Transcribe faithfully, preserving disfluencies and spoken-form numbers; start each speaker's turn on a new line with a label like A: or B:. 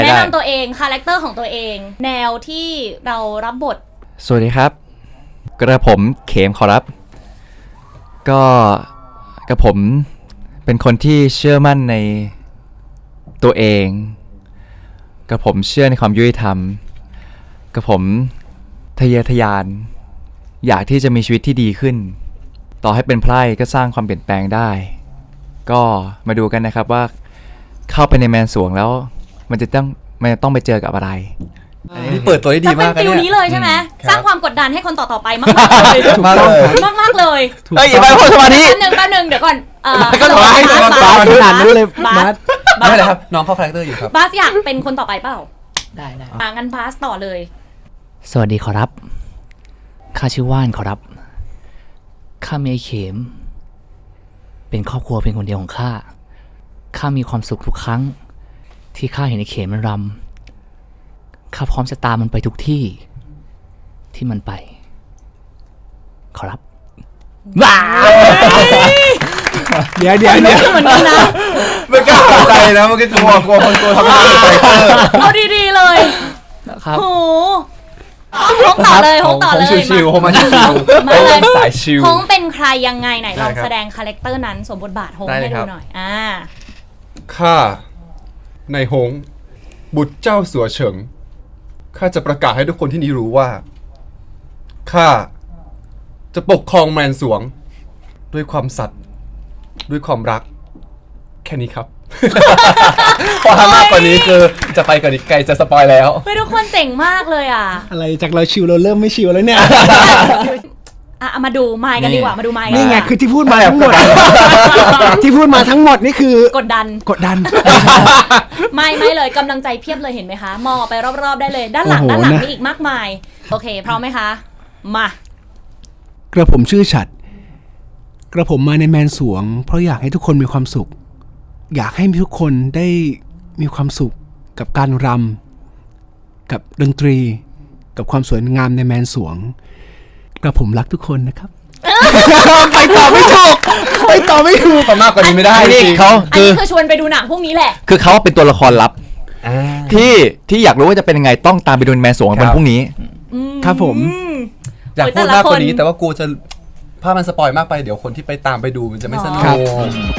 A: แนะนำตัวเองคาแรคเตอร์ของตัวเองแนวที่เรารับบท
B: สวัสดีครับกระผมเขมขอรับก็กระผมเป็นคนที่เชื่อมั่นในตัวเองกระผมเชื่อในความยุติธรรมกระผมทะเยอทะยานอยากที่จะมีชีวิตที่ดีขึ้นต่อให้เป็นไพร่ก็สร้างความเปลี่ยนแปลงได้ก็มาดูกันนะครับว่าเข้าไปในแมนสวงแล้วมันจะต้องมันจะต้องไปเจอกับอะไร
C: อันนี้เปิดตัวได้ดีมากนะเนี่ยจะเป็นฟิล
A: นี้เลยใช่ไหมสร้างความกดดันให้คนต่อๆไปมากๆเลยมากเลยมากๆเลย
B: เฮ้ยอย่าไปพูดสมาธิ
A: แป๊บนึงแป๊บนึงเดี๋ยวก่อนเอ่อ
C: ก็รอให้บาสบาสขนาดนั้นเลยบาสไม่เป็นไรครับน้องเข้าคาแรคเตอร์อยู่ครับ
A: บาสอยากเป็นคนต่อไปเปล่า
D: ได้ได้
A: อ่างั้นบาสต่อเลย
D: สวัสดีขอรับข้าชื่อว่านขอรับข้ามีไอ้เข็มเป็นครอบครัวเป็นคนเดียวของข้าข้ามีความสุขทุกครั้งที่ข้าเห็นไอ้เข็มมันรำข้าพร้อมจะตามมันไปทุกที่ที่มันไปขอรับ
A: ว้า
C: เดี๋ยวเดี๋ยวเดี๋ยว
A: เหมือนกันนะ
C: ไม่กล้าใจนะมันก็กลัวกลัวคนกลัวทำไม่ได้
A: เอาดีๆเลย
D: ครับ
A: โหฮงต่อเลยฮงต่อเลย
C: ชิวๆฮงมาชิวๆ
A: มาเลย
C: สายชิว
A: ฮงเป็นใครยังไงไหนลองแสดงคาแรคเตอร์นั้นสมบทบาทฮงให้ดูหน่อยอ่า
E: ข้าในฮงบุตรเจ้าสัวเฉิงข้าจะประกาศให้ทุกคนที่นี่รู้ว่าข้าจะปกครองแมนสวงด้วยความสัตย์ด้วยความรักแค่นี้ครับ พอทำมากกว่านี้คือจะไปกว่านี้ไกลจะสปอยแล้ว
A: เฮ้ยทุกคนเจ๋งมากเลยอ่ะ
C: อะไรจากเราชิวเราเริ่มไม่ชิวแล้วเนี่ย
A: อ่ะมาดูไมค์กันดีกว่ามาดูไมค์
C: นี่ไงคือที่พูดมาทั้งหมดที่พูดมาทั้งหมดนี่คือก
A: ดดัน
C: กดดัน
A: ไม่ไม่เลยกำลังใจเพียบเลยเห็นไหมคะมองไปรอบๆได้เลยด้านหลังด้านหลังมีอีกมากมายโอเคพร้อมไหมคะมาก
C: ระผมชื่อฉัดกระผมมาในแมนสวงเพราะอยากให้ทุกคนมีความสุขอยากให้ทุกคนได้มีความสุขกับการรำกับดนตรีกับความสวยงามในแมนสวงกระผมรักทุกคนนะครับไปต่อไม่ถูกไปต่อไม่ถูก
E: มากกว่านี้ไม่ได้
B: นี่เขา
A: อันนี้คือชวนไปดูหนังพวกนี้แหละ
B: คือเขาเป็นตัวละครลับที่ที่อยากรู้ว่าจะเป็นยังไงต้องตามไปดูแมนสวงวันพรุ่งนี้
C: ครับผม
E: อยากพูดมากกว่านี้แต่ว่ากลัวจะภาพมันสปอยมากไปเดี๋ยวคนที่ไปตามไปดูมันจะไม่สนุก